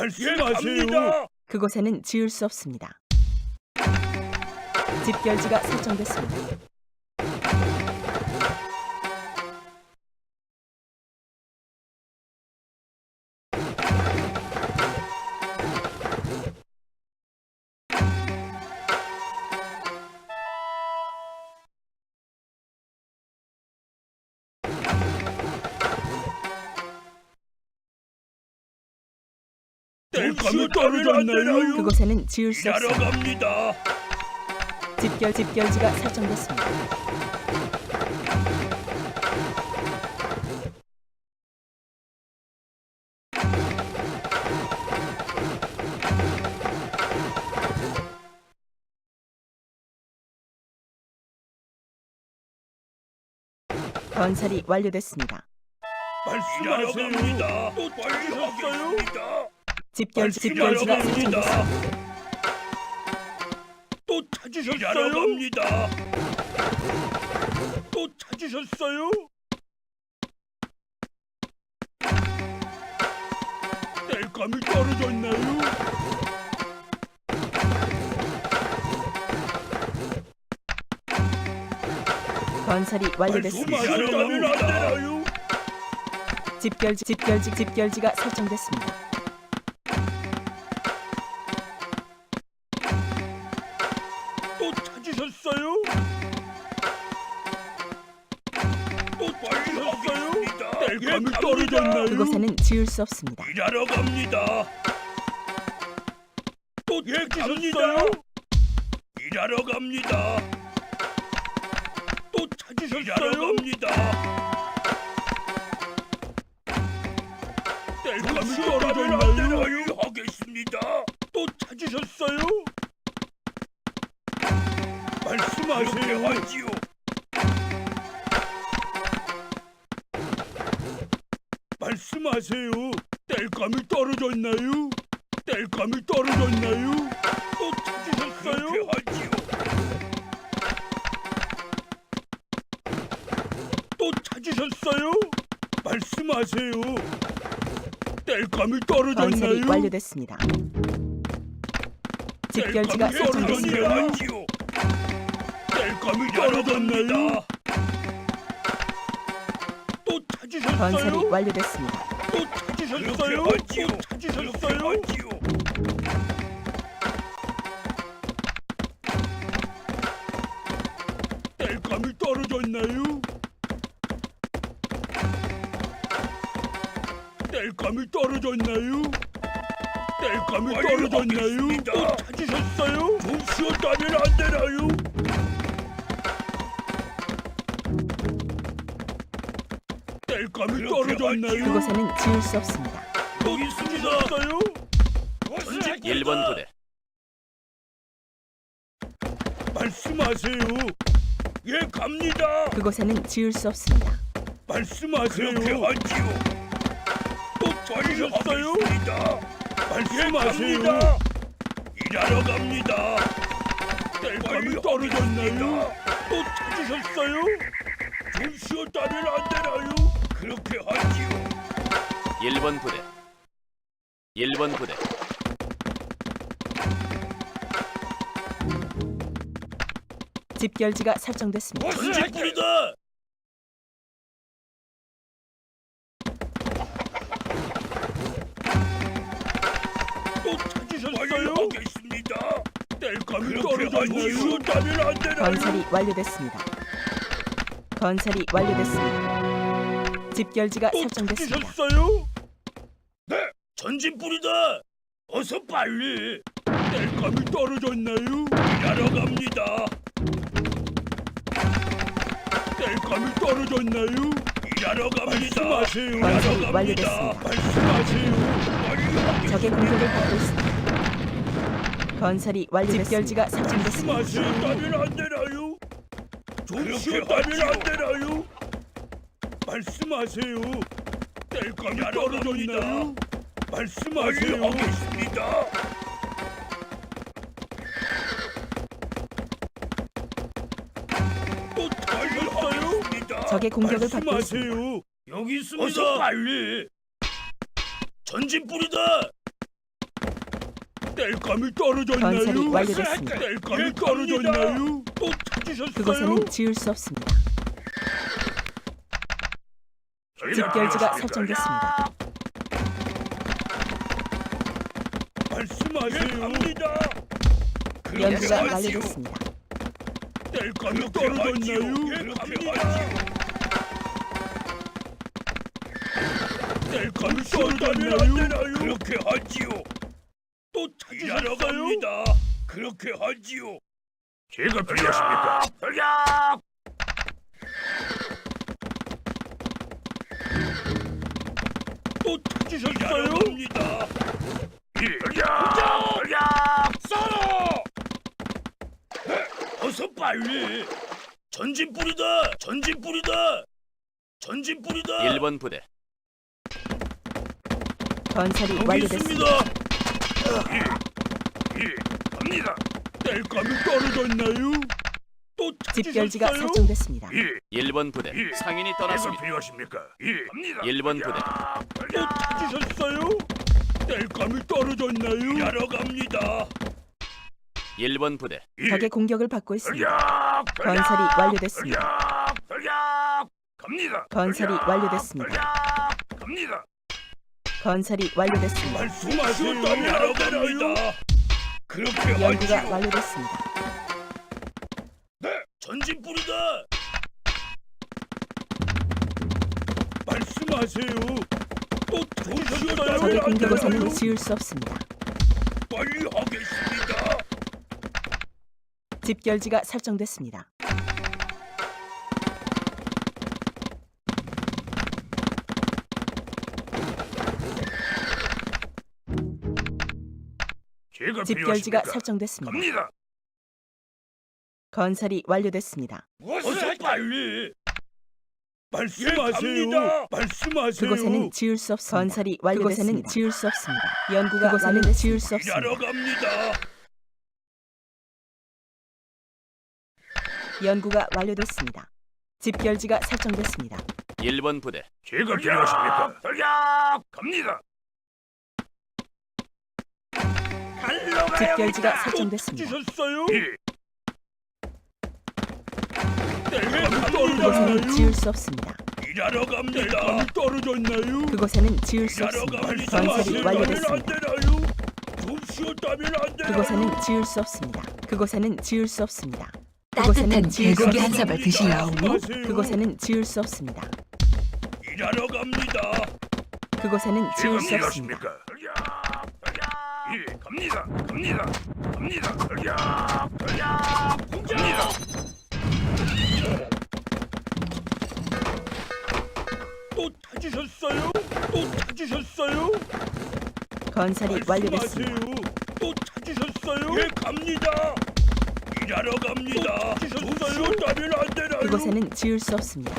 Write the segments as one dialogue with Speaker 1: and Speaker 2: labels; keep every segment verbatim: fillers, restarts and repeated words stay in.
Speaker 1: 말씀하세요.
Speaker 2: 그곳에는 지을 수 없습니다. 집결지가 설정됐습니다.
Speaker 1: 뗄감이 떨어졌나요?
Speaker 2: 그곳에는 지을 수
Speaker 1: 일하러
Speaker 2: 없습니다.
Speaker 1: 갑니다.
Speaker 2: 집결 집결지가 설정됐습니다. 건설이 완료됐습니다.
Speaker 1: 말씀하세요. 또 완료하겠어요?
Speaker 2: 집결지 집결지가
Speaker 1: 갑니다.
Speaker 2: 설정됐습니다.
Speaker 1: 또 찾으셨어요? 일하러 갑니다. 또 찾으셨어요? 뗄감이 떨어졌나요?
Speaker 2: 건설이 완료됐습니다.
Speaker 1: 말씀하셨다면 안 되나요?
Speaker 2: 집결지 집결지 집결지가 설정됐습니다.
Speaker 1: 또 찾으셨어요? 또 찾으셨어요? 뗄감이 떨어졌나요?
Speaker 2: 그곳에는 지을 수 없습니다.
Speaker 1: 일하러 갑니다. 또 찾으셨어요? 일하러 갑니다. 또 찾으셨어요? 일하러 갑니다. 뗄감이 떨어졌나요? 하겠습니다. 또 찾으셨어요? 말씀하세요. 하지요. 말씀하세요. 뗄감이 떨어졌나요? 뗄감이 떨어졌나요? 또 찾으셨어요? 그렇게 하지요. 또 찾으셨어요? 말씀하세요. 뗄감이
Speaker 2: 건설이
Speaker 1: 떨어졌나요?
Speaker 2: 완료됐습니다. 집결지가
Speaker 1: 뗄감이
Speaker 2: 설정됐습니다.
Speaker 1: 떨어졌나요? 뗄감이 떨어졌나요? 또 찾으셨어요?
Speaker 2: 건설이 완료됐습니다.
Speaker 1: 또 찾으셨어요? 또 찾으셨어요? 뗄감이 떨어졌나요? 뗄감이 떨어졌나요? 뗄감이 떨어졌나요? 또 찾으셨어요? 좀 쉬었다면 안 되나요? 뗄감이 떨어졌나요?
Speaker 2: 그곳에는 지을 수 없습니다.
Speaker 1: 여기 있습니다요?
Speaker 3: 일 번 부대
Speaker 1: 말씀하세요. 예, 갑니다.
Speaker 2: 그곳에는 지을 수 없습니다.
Speaker 1: 말씀하세요. 그렇게 하지요. 또 찾으셨어요? 말씀하세요. 일하러 갑니다. 뗄감이 떨어졌나요? 또 찾으셨어요? 좀 쉬었다면 안 되나요? 그렇게 하지요.
Speaker 3: 일 번 부대 일 번 부대
Speaker 2: 집결지가 설정됐습니다.
Speaker 1: 전직불이다. 또 찾으셨어요? 하겠습니다. 뗄감이 떨어졌나요? 쉬었다면 안 되나요?
Speaker 2: 건설이 완료됐습니다. 건설이 완료됐습니다. 집결지가
Speaker 1: 또
Speaker 2: 설정됐습니다.
Speaker 1: 찾으셨어요? 네, 전진불이다. 어서 빨리. 뗄감이 떨어졌나요? 일하러 갑니다. 뗄감이 떨어졌나요? 일하러 갑니다. 말씀하세요. 일하러
Speaker 2: 건설이
Speaker 1: 갑니다.
Speaker 2: 완료됐습니다.
Speaker 1: 말씀하세요. 빨리
Speaker 2: 적의 공격을 받고 있습니다. 건설이 완료됐습니다. 집결지가 설정됐습니다.
Speaker 1: 말씀하시다면 안 되나요? 좀 쉬었다면 안 되나요? 말씀하세요. 뗄감이 떨어졌나요? 말씀하세요. 하겠습니다. 또 찾으셨어요?
Speaker 2: 적의 공격을 받고 있습니다.
Speaker 1: 말씀하세요. 여기 있습니다. 어서 빨리. 전진 뿌리다. 땔감이 떨어졌나요?
Speaker 2: 건설이 완료됐습니다.
Speaker 1: 땔감이 떨어졌나요? 또 찾으셨어요?
Speaker 2: 그곳에는 지을 수 없습니다. 집결지가 설정됐습니다.
Speaker 1: 말씀하세요. 갑니다.
Speaker 2: 연구가 완료됐습니다.
Speaker 1: 땔감이 떨어졌나요? 갑니다. 땔감이 떨어졌나요? 그렇게 하지요. 또 찾으러 갑니다. 그렇게 하지요. 제가 필요하십니까? 돌격! 또 찾으셨어요? 갑니다. 예. 돌격! 돌격! 쏘로! 어서 빨리! 전진 뿌리다! 전진 뿌리다! 전진 뿌리다!
Speaker 3: 일 번 부대
Speaker 2: 건설이
Speaker 1: 여기
Speaker 2: 완료됐습니다.
Speaker 1: 있습니다. 예, 예, 갑니다. 땔감이 떨어졌나요? 또
Speaker 2: 집결지가
Speaker 1: 찾으셨어요?
Speaker 2: 설정됐습니다.
Speaker 1: 예,
Speaker 3: 일 번 부대
Speaker 1: 예.
Speaker 3: 상인이
Speaker 1: 제가
Speaker 3: 떠났습니다.
Speaker 1: 필요하십니까? 예, 갑니다.
Speaker 3: 일 번 부대
Speaker 1: 또 찾으셨어요? 땔감이 떨어졌나요? 일하러 갑니다.
Speaker 3: 일 번 부대
Speaker 1: 예,
Speaker 2: 적의 공격을 받고 있습니다.
Speaker 1: 돌격! 돌격!
Speaker 2: 건설이 완료됐습니다.
Speaker 1: 돌격! 돌격! 갑니다.
Speaker 2: 건설이
Speaker 1: 돌격!
Speaker 2: 완료됐습니다.
Speaker 1: 돌격! 갑니다.
Speaker 2: 건설이 완료됐습니다.
Speaker 1: 말씀하세요. 일하러 갑니다. 그렇게
Speaker 2: 연구가
Speaker 1: 하지요.
Speaker 2: 완료됐습니다.
Speaker 1: 네, 전진 뿌리다. 말씀하세요. 또
Speaker 2: 적의
Speaker 1: 조셨어요?
Speaker 2: 공격에서는 지을 수 없습니다.
Speaker 1: 빨리 하겠습니다.
Speaker 2: 집결지가 설정됐습니다.
Speaker 1: 제가
Speaker 2: 집결지가
Speaker 1: 필요하십니까?
Speaker 2: 설정됐습니다.
Speaker 1: 갑니다.
Speaker 2: 건설이 완료됐습니다.
Speaker 1: 어서 빨리. 말씀하세요. 말씀하세요.
Speaker 2: 그곳에는 지을 수 없습니다. 건설이 완료됐습니다. 그곳에는 지을 수 없습니다. 연구가 그곳에는 지을 수 없습니다.
Speaker 1: 일하러 갑니다.
Speaker 2: 연구가 완료됐습니다. 집결지가 설정됐습니다.
Speaker 3: 일 번 부대
Speaker 1: 제가 필요하십니까? 돌격! 갑니다.
Speaker 2: 집결지가 설정됐습니다.
Speaker 1: 찾으셨어요? 예. 땔감이
Speaker 2: 그곳에는
Speaker 1: 떨어졌나요?
Speaker 2: 지을 수 없습니다.
Speaker 1: 일하러 갑니다. 땔감이 떨어졌나요?
Speaker 2: 그곳에는 지을 수
Speaker 1: 일하러
Speaker 2: 없습니다.
Speaker 1: 갑니다.
Speaker 2: 건설이 완료됐습니다.
Speaker 1: 좀 쉬었다면 안 되나요?
Speaker 2: 그곳에는 지을 수 없습니다. 그곳에는 지을 수 없습니다. 그곳에는
Speaker 4: 따뜻한
Speaker 2: 지을 수
Speaker 4: 개고기 한
Speaker 2: 없습니다.
Speaker 4: 사발 드실라오?
Speaker 2: 그곳에는 지을 수 없습니다.
Speaker 1: 일하러 갑니다.
Speaker 2: 그곳에는 지을 수
Speaker 1: 제가
Speaker 2: 없습니다.
Speaker 1: 필요하십니까? 돌격! 돌격! 예, 갑니다. 갑니다. 갑니다. 돌격! 돌격! 갑니다. 또 찾으셨어요? 또 찾으셨어요?
Speaker 2: 건설이 완료됐습니다.
Speaker 1: 말씀하세요. 또 찾으셨어요? 예, 갑니다. 일하러 갑니다. 또 찾으셨어요? 따면 안 되나요?
Speaker 2: 그곳에는 지을 수 없습니다.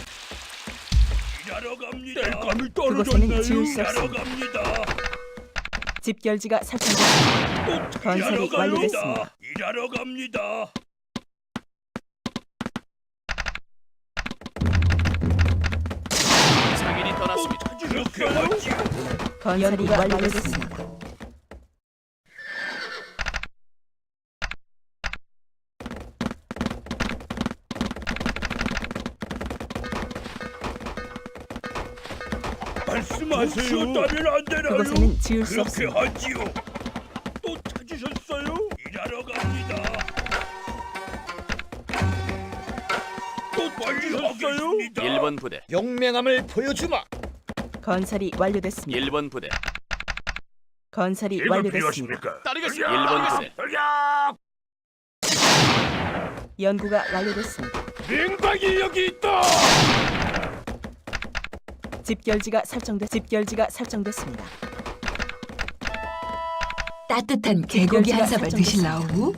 Speaker 1: 일하러 갑니다. 땔감이
Speaker 2: 그곳에는
Speaker 1: 떨어졌나요?
Speaker 2: 지을 수
Speaker 1: 일하러
Speaker 2: 없습니다.
Speaker 1: 갑니다.
Speaker 2: 집결지가 설정됐습니다.
Speaker 1: 또
Speaker 2: 건설이
Speaker 1: 일하러 갑니다.
Speaker 2: 완료됐습니다.
Speaker 1: 일하러 갑니다.
Speaker 3: 상인이
Speaker 1: 또
Speaker 3: 떠났습니다.
Speaker 1: 찾으셨어요?
Speaker 2: 건설이 완료됐습니다.
Speaker 1: 말씀하세요. 쉬었다면 안 되나요?
Speaker 2: 그곳에는 지을 수
Speaker 1: 그렇게
Speaker 2: 없습니다.
Speaker 1: 하지요. 또 찾으셨어요? 일하러 갑니다. 또 찾으셨어요?
Speaker 3: 일 번 부대
Speaker 5: 용맹함을 보여주마.
Speaker 2: 건설이 완료됐습니다.
Speaker 3: 일 번 부대
Speaker 2: 건설이
Speaker 1: 제가
Speaker 2: 완료됐습니다.
Speaker 1: 필요하십니까?
Speaker 3: 따르겠습니다. 일 번 부대
Speaker 1: 돌격!
Speaker 2: 연구가 완료됐습니다.
Speaker 1: 냉방이 여기 있다.
Speaker 2: 집결지가 설정됐 집결지가 설정됐습니다.
Speaker 4: 따뜻한 개고기 한 사발 드실라오?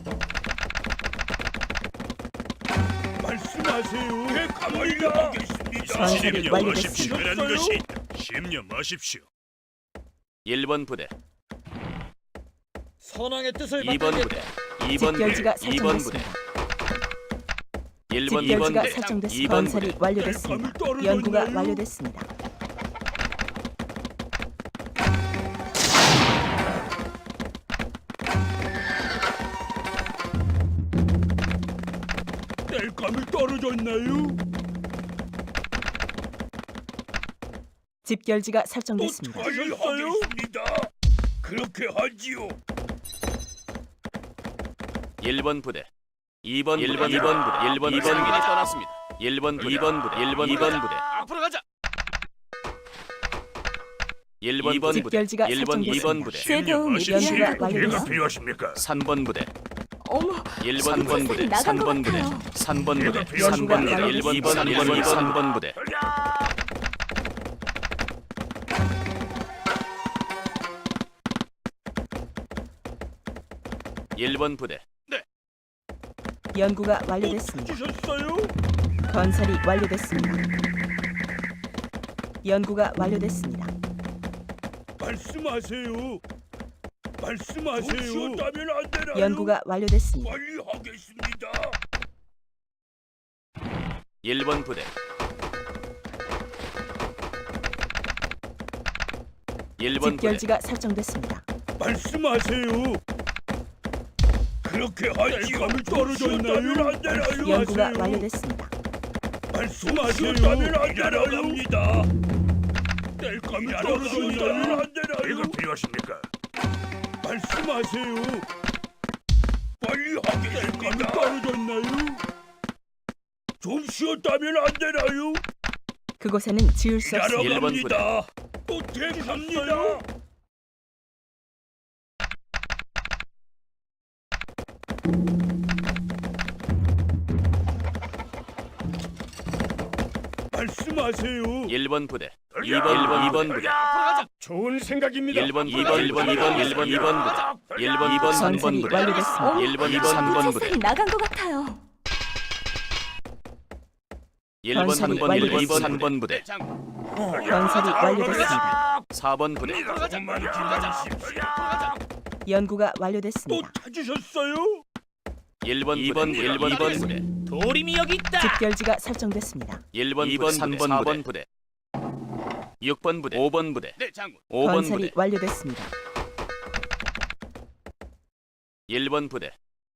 Speaker 1: 말씀하세요. 예, 가만히 가겠습니다.
Speaker 2: 건설이 완료됐습니다.
Speaker 1: 라는 것이 심념하십시오.
Speaker 3: 일 번 부대
Speaker 5: 선왕의 뜻을
Speaker 3: 이 번 부대 이 번 부대
Speaker 2: 집결지가
Speaker 3: 이 번 부대
Speaker 2: 설정됐습니다.
Speaker 3: 일 번 이 번
Speaker 2: 집결지가
Speaker 3: 부대
Speaker 2: 설정됐습니다.
Speaker 3: 이 번
Speaker 2: 건설이
Speaker 3: 부대
Speaker 2: 완료됐습니다. 연구가 완료됐습니다.
Speaker 1: 땔감이 떨어졌나요?
Speaker 2: 집결지가
Speaker 1: 또
Speaker 2: 설정됐습니다.
Speaker 1: 다시 하겠습니다. 그렇게 하지요.
Speaker 3: 일 번 부대, 이 번 일 번 이 번 부대, 일 번 이 번 부대 떠났습니다. 일 번 부대, 이 번 부대, 일 번 이 번 부대. 앞으로 가자. 일 번 부대,
Speaker 2: 집결지가
Speaker 3: 일 번 이 번
Speaker 2: 설정됐습니다.
Speaker 3: 부대,
Speaker 6: 제 도움이
Speaker 2: 연구가
Speaker 6: 필요할까요?
Speaker 2: 완료됐습니다.
Speaker 1: 필요하십니까?
Speaker 3: 삼 번 부대,
Speaker 6: 어머,
Speaker 3: 일 번
Speaker 6: 지금
Speaker 3: 부대,
Speaker 6: 세상이 나간
Speaker 3: 삼
Speaker 6: 것
Speaker 3: 번 부대,
Speaker 6: 같아요.
Speaker 3: 삼 번 부대,
Speaker 1: 연구가
Speaker 3: 삼 번 부대, 일 번, 이 번, 일 번, 삼 번 부대. 일 번 부대,
Speaker 2: 연구가
Speaker 1: 또
Speaker 2: 완료됐습니다.
Speaker 1: 찾으셨어요?
Speaker 2: 건설이 완료됐습니다. 연구가 완료됐습니다.
Speaker 1: 말씀하세요. 말씀하세요. 쉬었다면 안 되나요?
Speaker 2: 연구가 완료됐습니다.
Speaker 1: 빨리 하겠습니다.
Speaker 3: 일 번 부대, 일 번 부대,
Speaker 2: 집결지가 설정됐습니다.
Speaker 1: 말씀하세요. 그렇게 하지요. 땔감이 떨어졌나요? 안 되나요?
Speaker 2: 연구가
Speaker 1: 하세요.
Speaker 2: 완료됐습니다.
Speaker 1: 말씀하시다면 안 되나요? 땔감이 떨어졌나요? 안 되나요? 이거 필요하십니까? 말씀하세요. 빨리 하겠습니다. 땔감이 떨어졌나요? 좀 쉬었다면 안 되나요?
Speaker 2: 그곳에는 지을 수
Speaker 1: 일하러
Speaker 2: 없습니다.
Speaker 3: 일 번
Speaker 1: 갑니다. 또 퇴근합니다. 말씀하세요.
Speaker 3: 일 번 부대, 이 번, 일 번, 이 번 부대,
Speaker 5: 좋은 생각입니다.
Speaker 3: 일 번, 이 번, 일 번, 이 번, 일 번, 이 번 부대, 일 번, 이 번, 삼 번
Speaker 2: 건설이
Speaker 3: 부대,
Speaker 2: 완료됐습니다.
Speaker 3: 일 번, 이 번, 삼 번 부대,
Speaker 6: 세상이 나간 것 같아요.
Speaker 3: 일 번, 삼 번, 일 번, 이 번, 삼 번 부대,
Speaker 2: 건설이 완료됐습니다.
Speaker 3: 사 번 부대,
Speaker 1: 조금만 기다리십시오.
Speaker 2: 연구가
Speaker 1: 또
Speaker 2: 완료됐습니다.
Speaker 1: 찾으셨어요?
Speaker 3: 일 번, 이 번, 일 번, 이 번 부대,
Speaker 5: 도림이 여기 있다.
Speaker 2: 집결지가 설정됐습니다.
Speaker 3: 일 번, 이 번, 삼 번, 사 번 부대, 육 번 부대, 오 번 부대, 오 번
Speaker 2: 건설이
Speaker 3: 부대,
Speaker 2: 완료됐습니다.
Speaker 3: 일 번 부대,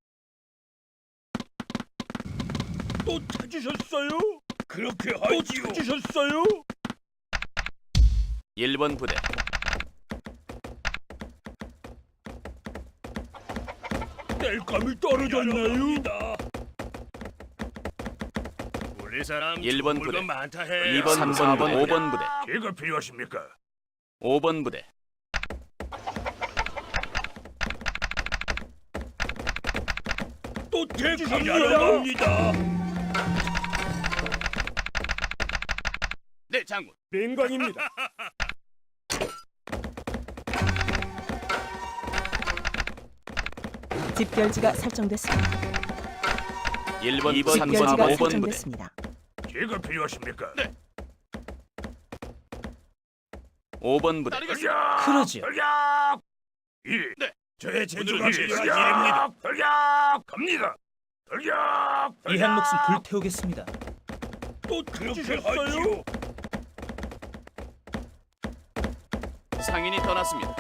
Speaker 1: 또 찾으셨어요? 그렇게 하지요. 또 찾으셨어요?
Speaker 3: 일 번 부대,
Speaker 1: 땔감이 떨어졌나요? 우리 사람
Speaker 3: 일 번
Speaker 1: 좋은 물건
Speaker 3: 부대,
Speaker 1: 많다 해.
Speaker 3: 이 번, 삼 번, 사 번, 오 번 부대,
Speaker 1: 이거 필요하십니까?
Speaker 3: 오 번 부대,
Speaker 1: 또 퇴근하러 갑니다.
Speaker 3: 네 장군,
Speaker 5: 민광입니다.
Speaker 2: 집결지가 설정됐습니다.
Speaker 3: 일 번, 이 번, 삼 번,
Speaker 2: 집결지가
Speaker 3: 오 번 부대,
Speaker 2: 설정됐습니다.
Speaker 1: 이거 필요하십니까?
Speaker 3: 오 번 부대,
Speaker 5: 그러지요.
Speaker 1: 이, 네. 저의 제주가 필요한 일입니다. 돌격! 갑니다. 돌격!
Speaker 5: 이 한 목숨 불태우겠습니다.
Speaker 1: 또 그렇게 하지요.
Speaker 3: 상인이 떠났습니다.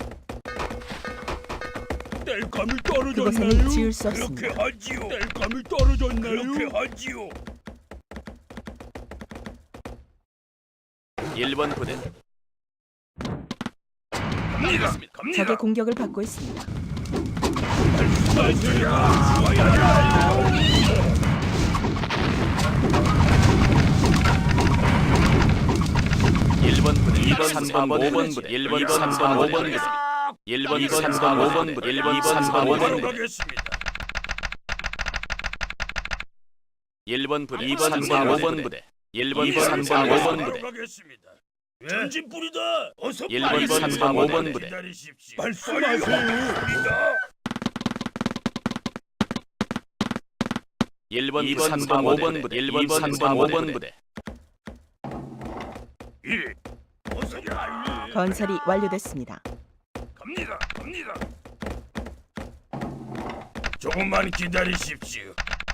Speaker 1: 땔감이 떨어졌나요?
Speaker 2: 그곳에는 지을 수
Speaker 1: 그렇게
Speaker 2: 없습니다.
Speaker 1: 하지요. 땔감이 떨어졌나요? 그렇게 하지요.
Speaker 3: 일 번 부대,
Speaker 1: 갑니다. 갑니다.
Speaker 2: 적의 공격을 받고 있습니다.
Speaker 3: 일 번 부대, 이 번, 삼 번, 오 번 부대, 일 번, 삼 번, 오 번 부대, 일 번, 삼 번, 오 번 부대, 일 번, 삼 번, 오 번 부대,
Speaker 1: 가겠습니다.
Speaker 3: 일 번 부대, 이 번, 삼 번, 오 번 부대, 일 번, 삼 번, 오 번 부대,
Speaker 1: 가겠습니다. 전진 뿌리다. 어서
Speaker 3: 일 번,
Speaker 1: 빨리
Speaker 3: 삼 번, 오 번 부대,
Speaker 1: 기다리십시오. 말씀하세요.
Speaker 3: 일 번, 이 번, 삼 번, 오 번 부대, 일 번, 삼 번, 오 번 부대,
Speaker 1: 예. 어서 빨리.
Speaker 2: 건설이 완료됐습니다.
Speaker 1: 갑니다. 갑니다. 조금만 기다리십시오.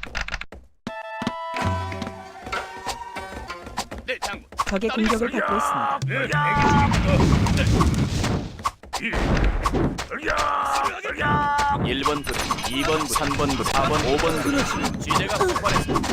Speaker 3: 네 장군,
Speaker 2: 적의 공격을 받고 있습니다.
Speaker 1: 네, 대기 중입니다. 네. 예.
Speaker 3: 일 번 부대, 이 번 부대, 삼 번 부대, 사 번, 오 번 부대. 지대가 폭발했습니다.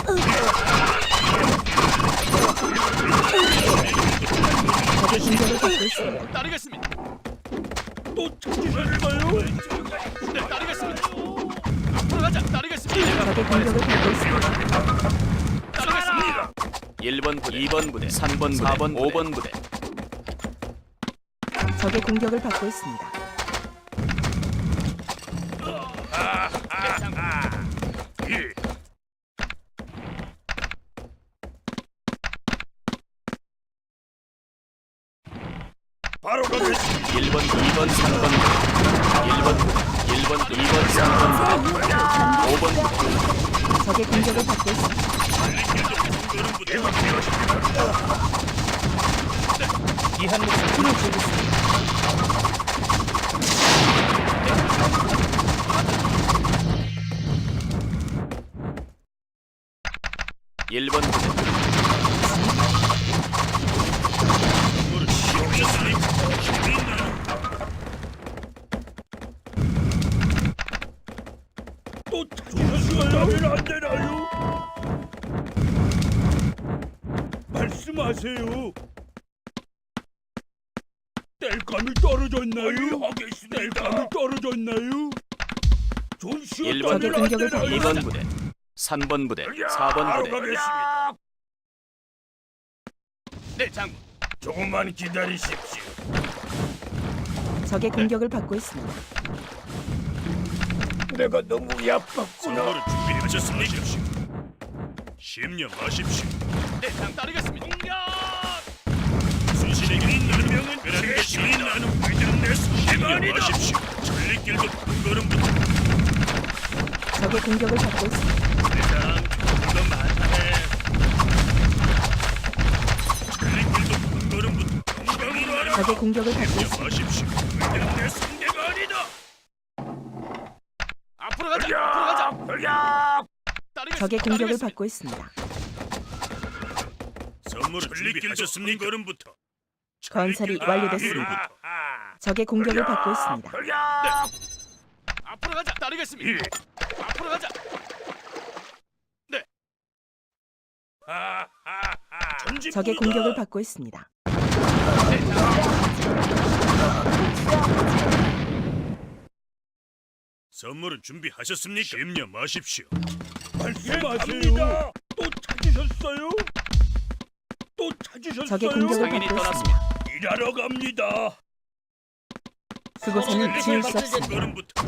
Speaker 2: 적의 공격을 받고 있습니다.
Speaker 3: 따르겠습니다.
Speaker 1: 또 찾으셨어요?
Speaker 3: 네, 따르겠습니다. 앞으로 가자. 따르겠습니다.
Speaker 2: 적의 공격을 받고 있습니다.
Speaker 3: 따르겠습니다. 일 번 부대, 이 번 부대, 삼 번 부대, 사 번, 오 번 부대.
Speaker 2: 적의 공격을 받고 있습니다.
Speaker 1: 예. 바로 가겠습니다.
Speaker 3: 일 번, 이 번, 삼 번 부대. 일 번 부대, 일 번, 이 번, 삼 번 부대, 오 번 부대.
Speaker 2: 적의 공격을 받고 있습니다.
Speaker 5: 귀한 목숨 끊어주겠습니다.
Speaker 3: 일 번 부대,
Speaker 1: 또 찾으셨어요? 안 되나요? 말씀하세요. 땔감이 떨어졌나요? 땔감이 떨어졌나요? 좀
Speaker 3: 일 번
Speaker 2: 적의
Speaker 1: 쉬었다면 안
Speaker 2: 공격을 받고
Speaker 1: 되나요?
Speaker 3: 이 번 부대, 삼 번 부대, 사 번
Speaker 1: 바로
Speaker 3: 부대.
Speaker 1: 가겠습니다.
Speaker 3: 네, 장군.
Speaker 1: 조금만 기다리십시오.
Speaker 2: 적의 공격을 받고 있습니다.
Speaker 1: 내가 너무 약했구나. 준비하셨습니까? 심령하십시오.
Speaker 3: 네, 장 따르겠습니다.
Speaker 1: 수신에게 있는 명은 그런 것이 나는 회장 내 심령하십시오. 전리길도 한 걸음부터
Speaker 2: 적의 공격을 받고 있습니다.
Speaker 1: 세상 조금 더 많네. 전리길도 한 걸음부터 건강으로 하라.
Speaker 2: 적의 공격을 받고 있습니다.
Speaker 1: 심령하십시오. 회장 내 상대가 아니다.
Speaker 3: 앞으로 가자. 앞으로 가자. 따르겠습니다.
Speaker 2: 적의 공격을
Speaker 3: 따르겠습니다.
Speaker 2: 받고 있습니다.
Speaker 1: 선물을 준비하셨습니까? 걸음부터
Speaker 2: 건설이 완료됐습니다. 적의 공격을 받고 있습니다.
Speaker 3: 앞으로 가자. 따르겠습니다. 앞으로 가자. 네.
Speaker 2: 적의 공격을 받고 있습니다.
Speaker 1: 선물은 준비하셨습니까? 심령하십시오. 말씀하세요. 또 찾으셨어요? 또 찾으셨어요?
Speaker 2: 적의 공격을
Speaker 3: 상인이
Speaker 2: 받고
Speaker 3: 떠났습니다.
Speaker 2: 있습니다.
Speaker 1: 일하러 갑니다.
Speaker 2: 그곳에는 지을 수 없습니다.
Speaker 1: 걸음부터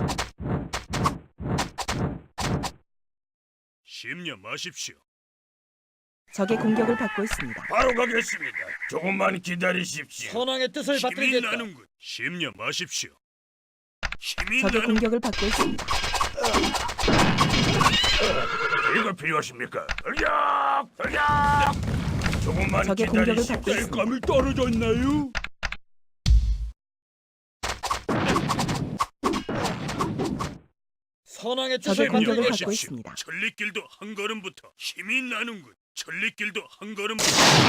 Speaker 1: 심령하십시오.
Speaker 2: 적의 공격을 받고 있습니다.
Speaker 1: 바로 가겠습니다. 조금만 기다리십시오.
Speaker 5: 선왕의 뜻을
Speaker 1: 힘이
Speaker 5: 받들겠다.
Speaker 1: 나는군. 심령하십시오. 힘이
Speaker 2: 적의
Speaker 1: 나는
Speaker 2: 공격을 받고 있습니다.
Speaker 1: 이거 필요하십니까? 야! 야! 조금만
Speaker 2: 적의 공격을
Speaker 1: 기다리십시오.
Speaker 2: 받고 있습니다.
Speaker 1: 땔감이 떨어졌나요?
Speaker 5: 선왕의
Speaker 2: 적의
Speaker 5: 뜻을
Speaker 2: 공격을
Speaker 5: 받들겠다.
Speaker 2: 받고 있습니다.
Speaker 1: 천리길도 한 걸음부터 힘이 나는군. 천리길도 한 걸음부터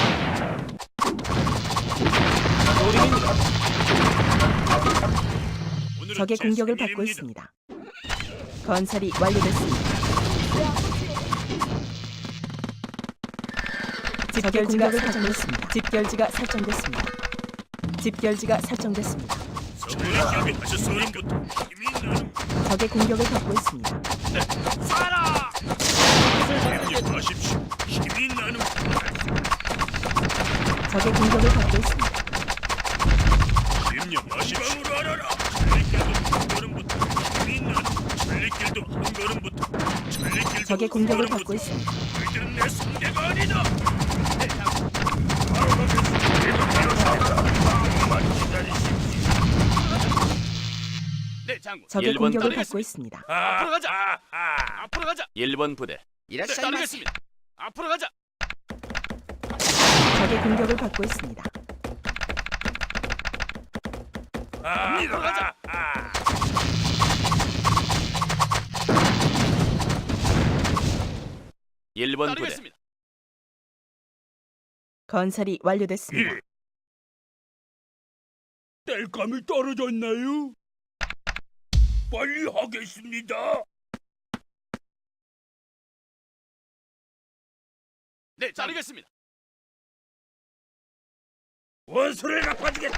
Speaker 1: 오늘은
Speaker 2: 적의
Speaker 1: 제
Speaker 2: 공격을
Speaker 1: 생일입니다.
Speaker 2: 받고 있습니다. 건설이 완료됐습니다. 집결지가 설정됐습니다. 집결지가 설정됐습니다. 집결지가 설정됐습니다.
Speaker 1: 선물을 준비하셨습니까? 힘이 나는군.
Speaker 2: 적의 공격을 받고 있습니다.
Speaker 1: 심령하십시오. 힘이 나는군.
Speaker 2: 적의 공격을 받고 있습니다.
Speaker 1: 심령하십시오. 방으로 알아라. 천리길도 한 걸음부터 힘이 나는군. 천리길도 한 걸음부터 천리길도
Speaker 2: 적의
Speaker 1: 한
Speaker 2: 공격을
Speaker 1: 걸음부터.
Speaker 2: 받고 있습니다.
Speaker 1: 너희들은 내 상대가 아니다. 바로 가겠습니다. 조금만 기다리십시오.
Speaker 3: 네, 장군.
Speaker 2: 적의
Speaker 3: 일 번
Speaker 2: 공격을
Speaker 3: 따르겠습니다.
Speaker 2: 받고 있습니다.
Speaker 3: 앞으로 가자.
Speaker 1: 아, 아.
Speaker 3: 앞으로 가자. 일 번 부대. 네, 따르겠습니다. 앞으로 가자.
Speaker 2: 적의 공격을 받고 있습니다.
Speaker 1: 아,
Speaker 3: 앞으로 가자.
Speaker 1: 아.
Speaker 3: 일 번 부대. 따르겠습니다.
Speaker 2: 건설이 완료됐습니다.
Speaker 1: 예. 땔감이 떨어졌나요? 빨리 하겠습니다.
Speaker 3: 네, 따르겠습니다.
Speaker 1: 원수를 갚아주겠다.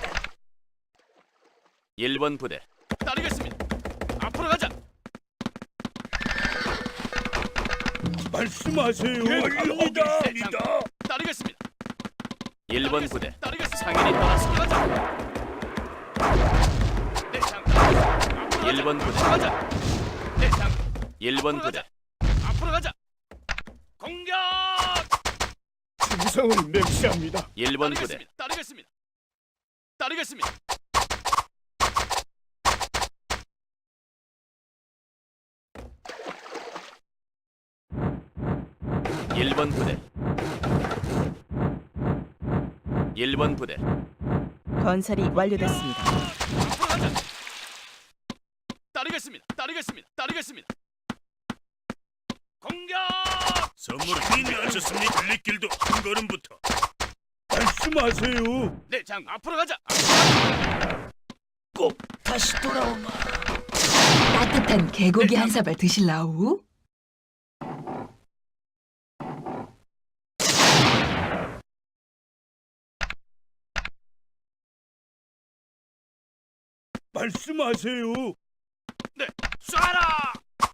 Speaker 3: 일 번 부대 따르겠습니다. 앞으로 가자.
Speaker 1: 말씀하세요.
Speaker 3: 예,
Speaker 1: 빨리 하겠습니다.
Speaker 3: 따르겠습니다. 일 번 부대 따르겠습니다. 상인이 떠났습니다. 가자. 네, 장. 일 번 부대 가자. 네, 장. 일 번 부대 앞으로 가자. 공격!
Speaker 1: 충성을 맹세합니다.
Speaker 3: 일 번 부대 따르겠습니다. 따르겠습니다. 일 번 부대 일 번 부대
Speaker 2: 건설이 완료됐습니다.
Speaker 3: 앞으로 가자. 따르겠습니다. 따르겠습니다. 따르겠습니다. 공격!
Speaker 1: 선물을 준비하셨습니까? 달리길도 한 걸음부터. 말씀하세요.
Speaker 3: 네, 장 앞으로 가자.
Speaker 1: 꼭 다시 돌아오마.
Speaker 4: 따뜻한 개고기 한 사발 드실라우?
Speaker 1: 말씀하세요.
Speaker 3: 네, 쏴라.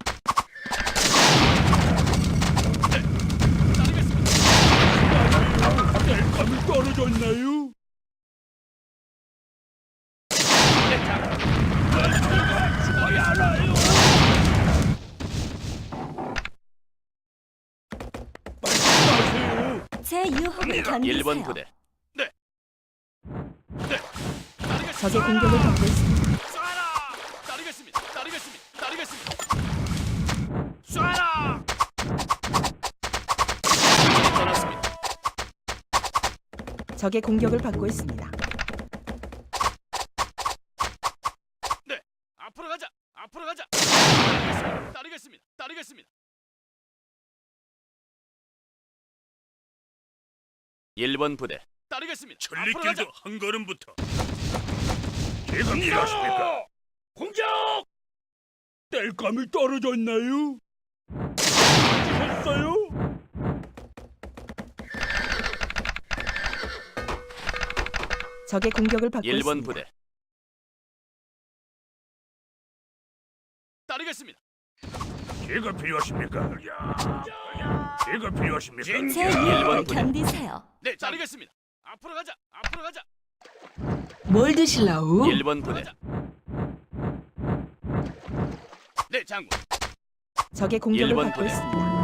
Speaker 3: 네, 따르겠습니다.
Speaker 1: 뗄감이 떨어졌나요?
Speaker 3: 네, 장.
Speaker 1: 죽어야 하나요? 말씀하세요.
Speaker 6: 제 유혹을
Speaker 3: 일 번
Speaker 6: 견디세요.
Speaker 3: 부대. 네. 네. 따르겠습니다.
Speaker 2: 적의 공격을 받고 있습니다.
Speaker 3: 쏴라. 따르겠습니다. 따르겠습니다. 따르겠습니다. 쏴라. 상인이 떠났습니다.
Speaker 2: 적의 공격을 받고 있습니다.
Speaker 3: 네, 앞으로 가자. 앞으로 가자. 따르겠습니다. 따르겠습니다. 따르겠습니다. 일 번 부대 따르겠습니다. 앞으로 가자.
Speaker 1: 천리길도 한 걸음부터. 지금 일하십니까? 공격! 뗄감이 떨어졌나요? 죽었어요?
Speaker 2: 적의 공격을 받고
Speaker 3: 일 번
Speaker 2: 있습니다.
Speaker 3: 부대 따르겠습니다.
Speaker 1: 제가 필요하십니까? 제가 필요하십니까?
Speaker 6: 제
Speaker 3: 일 번
Speaker 6: 유혹을
Speaker 3: 부대.
Speaker 6: 견디세요.
Speaker 3: 네, 따르겠습니다. 앞으로 가자. 앞으로 가자.
Speaker 4: 뭘 드실라우?
Speaker 3: 일 번 부대 네, 장군.
Speaker 2: 적의 공격을
Speaker 3: 일 번
Speaker 2: 받고
Speaker 3: 부대.
Speaker 2: 있습니다.